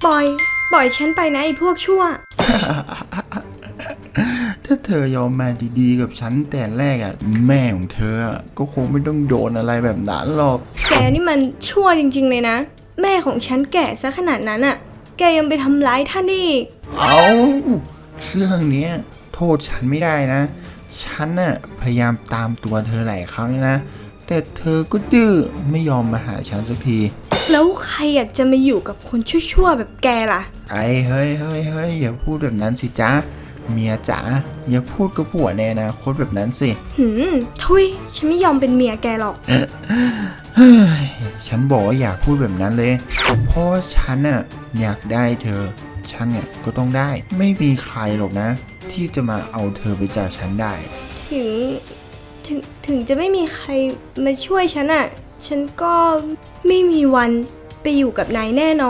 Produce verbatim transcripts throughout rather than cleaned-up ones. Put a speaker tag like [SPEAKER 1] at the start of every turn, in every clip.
[SPEAKER 1] ปล่อยปล่อยฉันไปนะไอ้พวกชั่ว
[SPEAKER 2] ถ้าเธอยอมมาดีๆกับฉันแต่แรกอ่ะแม่ของเธอก็คงไม่ต้องโดนอะไรแบบนั้นหรอก
[SPEAKER 1] แกนี่มันชั่วจริงๆเลยนะแม่ของฉันแก่ซะขนาดนั้นอ่ะแกยังไปทำร้ายท่านอีก
[SPEAKER 2] เอาเรื่องเนี้ยโทษฉันไม่ได้นะฉันน่ะพยายามตามตัวเธอหลายครั้งนะแต่เธอก็ดื้อไม่ยอมมาหาฉันสักที
[SPEAKER 1] แล้วใครอยากจะมาอยู่กับคนชั่วๆแบบแกล่ะ
[SPEAKER 2] ไอ้เฮ้ยเฮ้ยเฮ้ยอย่าพูดแบบนั้นสิจ๊ะเมียจ๋าอย่าพูดกับผัวในอนาคตแบบนั้นสิ
[SPEAKER 1] หืมทุยฉันไม่ยอมเป็นเมียแกหรอก
[SPEAKER 2] เฮ้ยฉันบอกว่าอย่าพูดแบบนั้นเลยเพราะว่าฉันน่ะอยากได้เธอฉันเนี่ยก็ต้องได้ไม่มีใครหรอกนะที่จะมาเอาเธอไปจากฉันได้
[SPEAKER 1] ถึงถึงถึงจะไม่มีใครมาช่วยฉันอ่ะฉันก็ไม่มีวันไปอยู่กับนายแน่นอน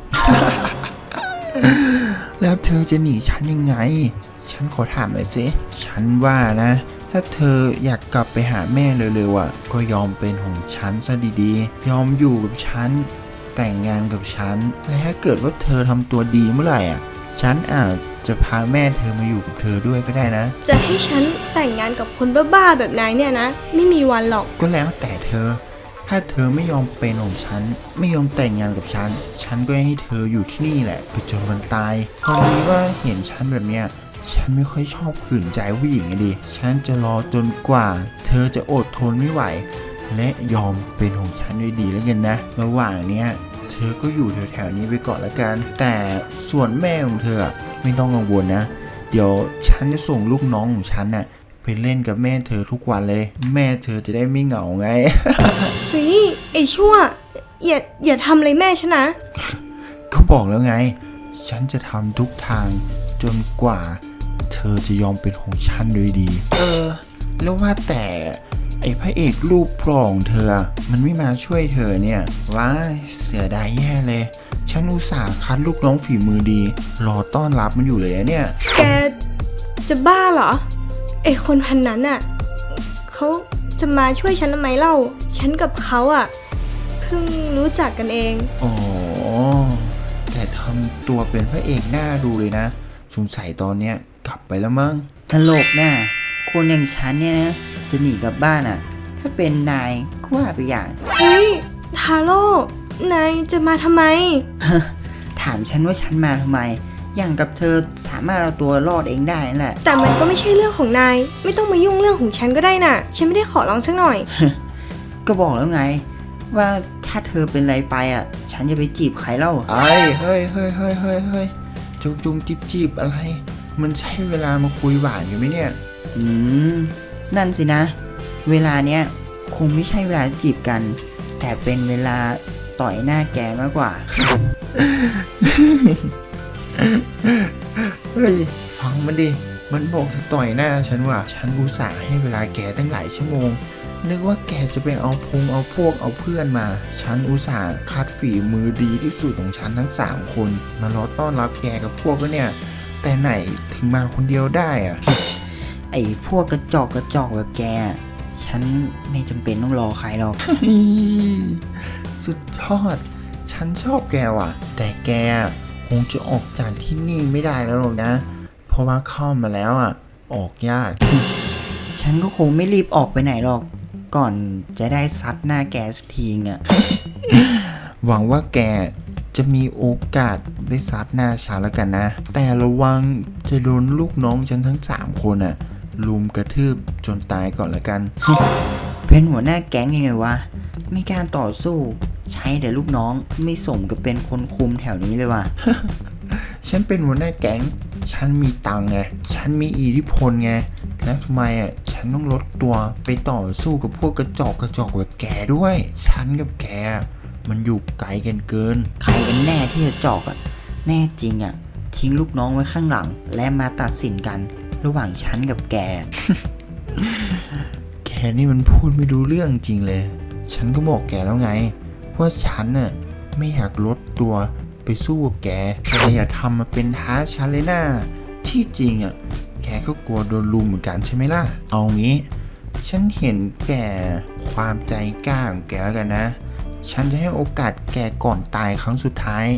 [SPEAKER 2] แล้วเธอจะหนีฉันยังไงฉันขอถามหน่อยสิฉันว่านะถ้าเธออยากกลับไปหาแม่เร็วๆอ่ะก็ยอมเป็นของฉันซะดีๆยอมอยู่กับฉันแต่งงานกับฉันและถ้าเกิดว่าเธอทำตัวดีเมื่อไหร่อ่ะฉันอาจจะพาแม่เธอมาอยู่กับเธอด้วยก็ได้นะ
[SPEAKER 1] จะให้ฉันแต่งงานกับคนบ้าๆแบบนายเนี่ยนะไม่มีวันหรอก
[SPEAKER 2] ก็แล้วแต่เธอถ้าเธอไม่ยอมเป็นของฉันไม่ยอมแต่งงานกับฉันฉันก็ให้เธออยู่ที่นี่แหละไปจนวันตายตอนนี้ว่าเห็นฉันแบบเนี้ยฉันไม่ค่อยชอบขืนใจผู้หญิงดิฉันจะรอจนกว่าเธอจะอดทนไม่ไหวและยอมเป็นของฉันด้วยดีแล้วกันนะระหว่างเนี้ยเธอก็อยู่แถวๆนี้ไปก่อนละกันแต่ส่วนแม่ของเธอไม่ต้องกังวลนะเดี๋ยวฉันจะส่งลูกน้องของฉันน่ะไปเล่นกับแม่เธอทุกวันเลยแม่เธอจะได้ไม่เหงาไง
[SPEAKER 1] เฮ้ยไอ้ชั่วอย่าอย่าทำอะไรแม่ฉันนะ
[SPEAKER 2] ก็บอกแล้วไงฉันจะทำทุกทางจนกว่าเธอจะยอมเป็นของฉันโดยดีเออแล้วว่าแต่ไอ้พระเอกรูปปล่องเธอมันไม่มาช่วยเธอเนี่ยว้ายเสียดายแย่เลยฉันอุตส่าห์คัดลูกน้องฝีมือดีรอต้อนรับมันอยู่เลยเนี่ย
[SPEAKER 1] แกจะบ้าเหรอไอ้คนพันนั้นอ่ะเขาจะมาช่วยฉันทำไมเล่าฉันกับเขาอ่ะเพิ่งรู้จักกันเอง
[SPEAKER 2] อ๋อแต่ทำตัวเป็นพระเอกหน้าดูเลยนะสงสัยตอนเนี้ยกลับไปแล้วมั้ง
[SPEAKER 3] ตลกน่ะคนอย่างฉันเนี่ยนะจะหนีกลับบ้านอ่ะถ้าเป็นนายก็ว่าไปอย่าง
[SPEAKER 1] เฮ้ยทาโร่นายจะมาทำไม
[SPEAKER 3] ถามฉันว่าฉันมาทำไมอย่างกับเธอสามารถเอาตัวรอดเองได้นั่นแหละ
[SPEAKER 1] แต่มันก็ไม่ใช่เรื่องของนายไม่ต้องมายุ่งเรื่องของฉันก็ได้น่ะฉันไม่ได้ขอร้องสักหน่อย
[SPEAKER 3] ก็บอกแล้วไงว่าถ้าเธอเป็นไรไปอ่ะฉันจะไปจีบใครเล่า
[SPEAKER 2] ไอ้เฮ้ยเฮ้ยเฮ้ยเฮ้ยเฮ้ยจุงจุงจีบจีบอะไรมันใช่เวลามาคุยหวานอยู่ไหมเนี่ย
[SPEAKER 3] อืมนั่นสินะเวลาเนี้ยคงไม่ใช่เวลาจีบกันแต่เป็นเวลาต่อยหน้าแกมากกว่า
[SPEAKER 2] เฮ้ยฟังมันดิมันบอกจะต่อยหน้าฉันว่ะฉันอุตส่าห์ให้เวลาแกตั้งหลายชั่วโมงนึกว่าแกจะไปเอาพงเอาพวกเอาเพื่อนมาฉันอุตส่าห์คัดฝีมือดีที่สุดของฉันทั้งสามคนมารอต้อนรับแกกับพวกก็เนี่ยแต่ไหนถึงมาคนเดียวได้อะ
[SPEAKER 3] ไอ้พวกกระจอกกระจอกแบบแกฉันไม่จำเป็นต้องรอใครหรอก
[SPEAKER 2] สุดยอดฉันชอบแกว่ะแต่แกคงจะออกจากที่นี่ไม่ได้แล้วหรอกนะเพราะว่าเข้ามาแล้วอ่ะออกยาก
[SPEAKER 3] ฉันก็คงไม่รีบออกไปไหนหรอกก่อนจะได้ซัดหน้าแกสักทีอ่ะ
[SPEAKER 2] หวังว่าแกจะมีโอกาสได้ซัดหน้าฉันแล้วกันนะแต่ระวังจะโดนลูกน้องฉันทั้งสามคนอ่ะลุมกระทืบจนตายก่อนละกัน
[SPEAKER 3] เป็นหัวหน้าแก๊งยังไงวะมีการต่อสู้ใช้แต่ลูกน้องไม่สมกับเป็นคนคุมแถวนี้เลยว่ะ
[SPEAKER 2] ฉันเป็นหัวหน้าแก๊งฉันมีตังไงฉันมีอิทธิพลไงแล้วทำไมอ่ะฉันต้องลดตัวไปต่อสู้กับพวกกระจอกกระจอกแบบแกด้วยฉันกับแกมันอยู่ไกลกันเกิน
[SPEAKER 3] ใครกันแน่ที่จะจอกอ่ะแน่จริงอ่ะทิ้งลูกน้องไว้ข้างหลังและมาตัดสินกันระหว่างฉันกับแก
[SPEAKER 2] แกนี่มันพูดไม่รู้เรื่องจริงเลยฉันก็บอกแกแล้วไงว่าฉันน่ะไม่อยากลดตัวไปสู้กับแกแกอย่าทำมาเป็นท้าฉันเลยนะที่จริงอ่ะแกก็กลัวโดนลุมเหมือนกันใช่ไหมล่ะเอางี้ฉันเห็นแกความใจกล้าของแกแล้วกันนะฉันจะให้โอกาสแกก่อนตายครั้งสุดท้าย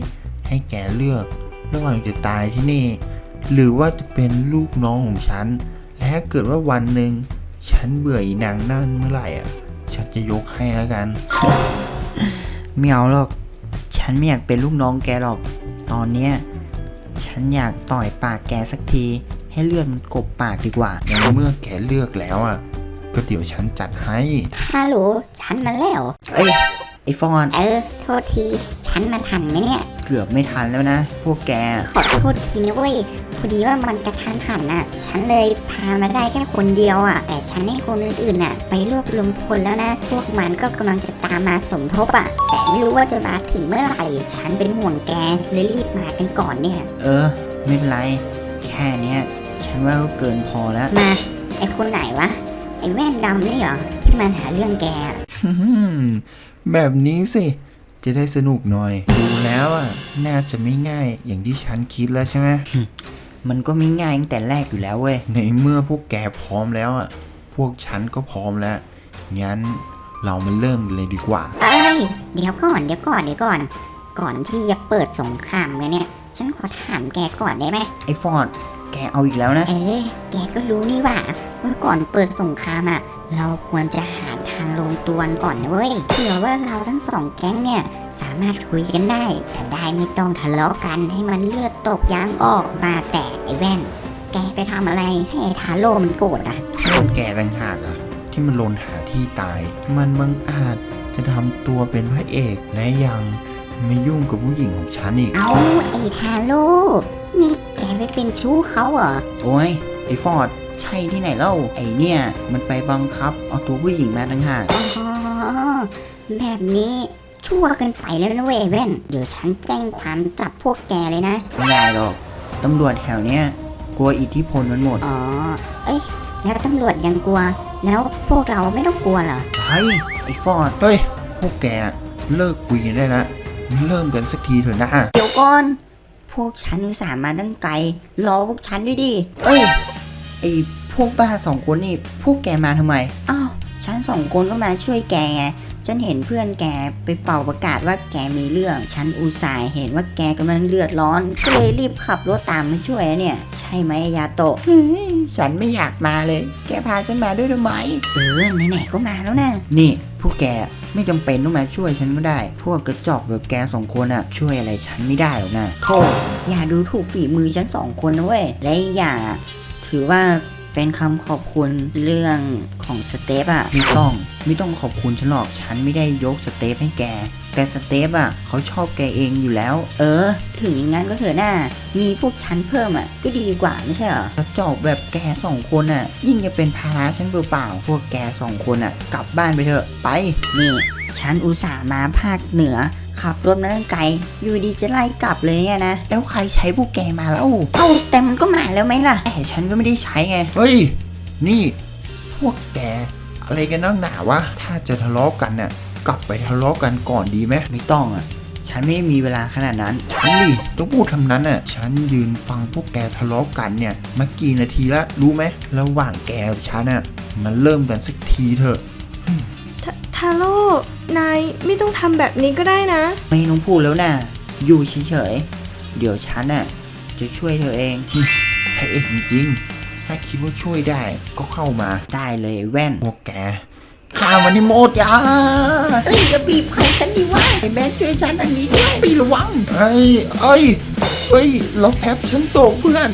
[SPEAKER 2] ให้แกเลือกระหว่างจะตายที่นี่ หรือว่าจะเป็นลูกน้องของฉัน และถ้าเกิดว่าวันหนึ่งฉันเบื่ออีนางนั่นเมื่อไหร่อ่ะฉันจะยกให้แล้วกัน
[SPEAKER 3] ไม่เอาหรอกฉันไม่อยากเป็นลูกน้องแกหรอกตอนเนี้ยฉันอยากต่อยปากแกสักทีให้เลือดมันกบปากดีกว่า
[SPEAKER 2] ในเมื่อแกเลือกแล้วอ่ะก็เดี๋ยวฉันจัดให้
[SPEAKER 4] ฮัลโหลฉันมาแล้ว
[SPEAKER 3] เอ้ยไอฟอน
[SPEAKER 4] เออ โทษที ฉันมาทันไหมเนี่ย
[SPEAKER 3] เกือบไม่ทันแล้วนะ พวกแก
[SPEAKER 4] ขอโทษทีนะเว้ย พอดีว่ามันกระทันหันน่ะ ฉันเลยพามาได้แค่คนเดียวอ่ะ แต่ฉันให้คนอื่นๆน่ะ ไปรวบรวมพลแล้วนะ พวกมันก็กำลังจะตามมาสมทบอ่ะ แต่ไม่รู้ว่าจะมาถึงเมื่อไหร่ ฉันเป็นห่วงแกเลยรีบมากันก่อนเนี่ย
[SPEAKER 3] เออ ไม่เป็นไร แค่เนี้ยฉันว่าก็เกินพอแล้ว
[SPEAKER 4] มา ไอคนไหนวะ ไอแว่นดำนี่เหรอ ที่มันหาเรื่องแกอะ
[SPEAKER 2] แบบนี้สิจะได้สนุกหน่อย ดูแล้วอ่ะน่าจะไม่ง่ายอย่างที่ฉันคิดแล้วใช่ไหม
[SPEAKER 3] มันก็ไม่ง่ายตั้งแต่แรกอยู่แล้วเว้ย
[SPEAKER 2] ในเมื่อพวกแกพร้อมแล้วอ่ะพวกฉันก็พร้อมแล้วงั้นเรามาเริ่มกันเลยดีกว่า
[SPEAKER 4] เอ้ย เดี๋ยวก่อน เดี๋ยวก่อน เดี๋ยวก่อน ก่อนที่จะเปิดสงครามกันเนี่ย ฉันขอถามแกก่อนได้ไหม
[SPEAKER 3] ไอฟอนแกเอาอีกแล้วนะ
[SPEAKER 4] เอ้ยแกก็รู้นี่หว่าว่าก่อนเปิดสงครามอ่ะ เราควรจะหาทางลงตัวกันก่อนนะเว้ยเผื่อว่าเราทั้งสองแก๊งเนี่ย สามารถคุยกันได้ จะได้ไม่ต้องทะเลาะกันให้มันเลือดตกยางออกมาแต่ไอ้แว่น แกไปทำอะไรให้ไอ้ทาโร่มันโกรธอ่ะ
[SPEAKER 2] เรื่องแกต่างหากอ่ะที่มันลนหาที่ตาย มันบังอาจจะทำตัวเป็นพระเอกและยังไม่ยุ่งกับผู้หญิงของฉันอีก
[SPEAKER 4] เอาไอ้ทาโร่นี่แกไปเป็นชู้เขาเหรอ
[SPEAKER 3] โอ้ยไอฟอร์ดใช่ที่ไหนเล่าไอเนี่ยมันไปบังคับเอาตัวผู้หญิงมาต่างหาก
[SPEAKER 4] อ๋อแบบนี้ชั่วเกันไปแล้วนะเว้ยแว่น เดี๋ยวฉันแจ้งความจับพวกแกเลยนะ
[SPEAKER 3] ไม่ได้หรอกตำรวจแถวเนี้ยกลัวอิทธิพลมันหมด
[SPEAKER 4] อ๋อ เอ้ย แล้วตำรวจยังกลัว แล้วพวกเราไม่ต้องกลัวเหรอ
[SPEAKER 3] เฮ้ยไอฟอร์ด
[SPEAKER 2] เฮ้ยพวกแกเลิกคุยกันได้แล้วเริ่มกันสักทีเถอะนะ
[SPEAKER 3] เดี๋ยวก่อนพวกฉันอุตส่าห์มาตั้งไกลรอพวกฉันด้วยดิเอ้ยไอพวกบ้าสองคนนี่พวกแกมาทำไมอ้าวฉันสองคนก็มาช่วยแกไงฉันเห็นเพื่อนแกไปเป่าประกาศว่าแกมีเรื่อง ฉันอุตส่าห์เห็นว่าแกกำลังเลือดร้อน ก็เลยรีบขับรถตามมาช่วยนะเนี่ย ใช่ไหมยาโตะ ฉันไม่อยากมาเลย แกพาฉันมาด้วยทำไม
[SPEAKER 4] เออไหนๆก็มาแล้วนะ
[SPEAKER 3] นี่พวกแกไม่จำเป็นต้องมาช่วยฉันก็ได้ พวกกระจอกแบบแกสองคนอะช่วยอะไรฉันไม่ได้หรอกนะโธ่อย่าดูถูกฝีมือฉันสองคนนะเว้ย และอีกอย่างอะถือว่าเป็นคำขอบคุณเรื่องของสเตปอะไม่ต้องไม่ต้องขอบคุณฉันหรอกฉันไม่ได้ยกสเตปให้แก แต่สเตปอะเขาชอบแกเองอยู่แล้ว เออ ถึงอย่างนั้นก็เถอะหน้ามีพวกฉันเพิ่มอะก็ดีกว่าไม่ใช่เหรอกระจอกแบบแกสองคนอะยิ่งจะเป็นภาระฉันเปล่าๆพวกแกสองคนอะกลับบ้านไปเถอะไปนี่ ฉันอุตส่าห์มาภาคเหนือ ขับรถมาตั้งไกล อยู่ดีจะไล่กลับเลยเนี่ยนะ แล้วใครใช้พวกแกมาแล้ว เอ้าแต่มันก็มาแล้วไหมล่ะ แต่ฉันก็ไม่ได้ใช้ไง
[SPEAKER 2] เฮ้ยนี่พวกแกอะไรกันนักหนาวะถ้าจะทะเลาะกันเนี่ยกลับไปทะเลาะกันก่อนดีไหม
[SPEAKER 3] ไม่ต้องอ่ะ ฉันไม่ได้มีเวลาขนาดนั้น
[SPEAKER 2] ฉันดิต้องพูดทำนั้นน่ะฉันยืนฟังพวกแกทะเลาะกันเนี่ยมากี่นาทีละรู้ไหมระหว่างแกกับฉันน่ะมันเริ่มกันสักทีเถอะ
[SPEAKER 1] ทาทาโร่นายไม่ต้องทำแบบนี้ก็ได้นะ
[SPEAKER 3] ไม่ต้องพูดแล้วนะอยู่เฉยๆ เดี๋ยวฉันน่ะจะช่วยเธอเอง
[SPEAKER 2] พระเอกจริงๆถ้าคิดว่าช่วยได้ก็เข้ามา
[SPEAKER 3] ได้เลยแว่น
[SPEAKER 2] พวกแกฆ่ามันให้หมดอย่า
[SPEAKER 3] เอ้ยอย่าบีบใครฉันดีว่าไอ้แม่ช่วยฉันอันนี้ด้วย
[SPEAKER 2] ไประวังไอ้ไอ้เอ้ยเราแพบฉันตกเพื่อน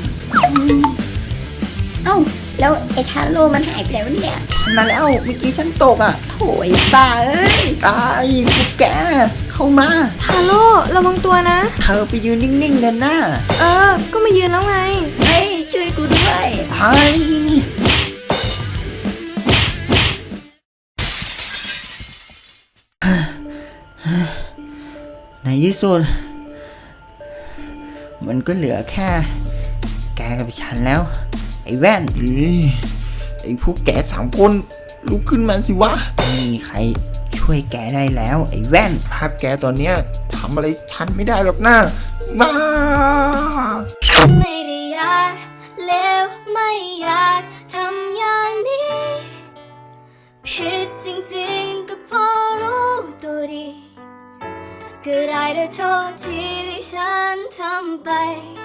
[SPEAKER 4] เอ้า แล้วไอ้ทาโร่มันหายไปแล้วเนี่ย
[SPEAKER 3] ฉันมาแล้วเมื่อกี้ฉันตกอ่ะโถยบ้าเอ้ยตายพวกแกเข้ามา
[SPEAKER 1] ทาโร่ระวังตัวนะ
[SPEAKER 3] เธอไปยืนนิ่งๆเดินหน้า
[SPEAKER 1] เออ ก็มายืนแล้วไง
[SPEAKER 3] เฮ้ยช่วยกูด้วยไอ้ในที่สุดมันก็เหลือแค่ แกกับฉันแล้ว ไอ้แว่น
[SPEAKER 2] เฮ้ยไอ้พวกแกสามคนลุกขึ้นมาสิวะ
[SPEAKER 3] ไม่มีใครช่วยแกได้แล้ว ไอ้แว่น
[SPEAKER 2] ภาพแกตอนเนี้ยทำอะไรทันไม่ได้หรอกนะมา
[SPEAKER 5] ไม่ได้อยากเลวไม่อยากทำอย่างนี้ ผิดจริงๆก็พอรู้ตัวดีก็ได้แต่โทษที่ที่ฉันทำไป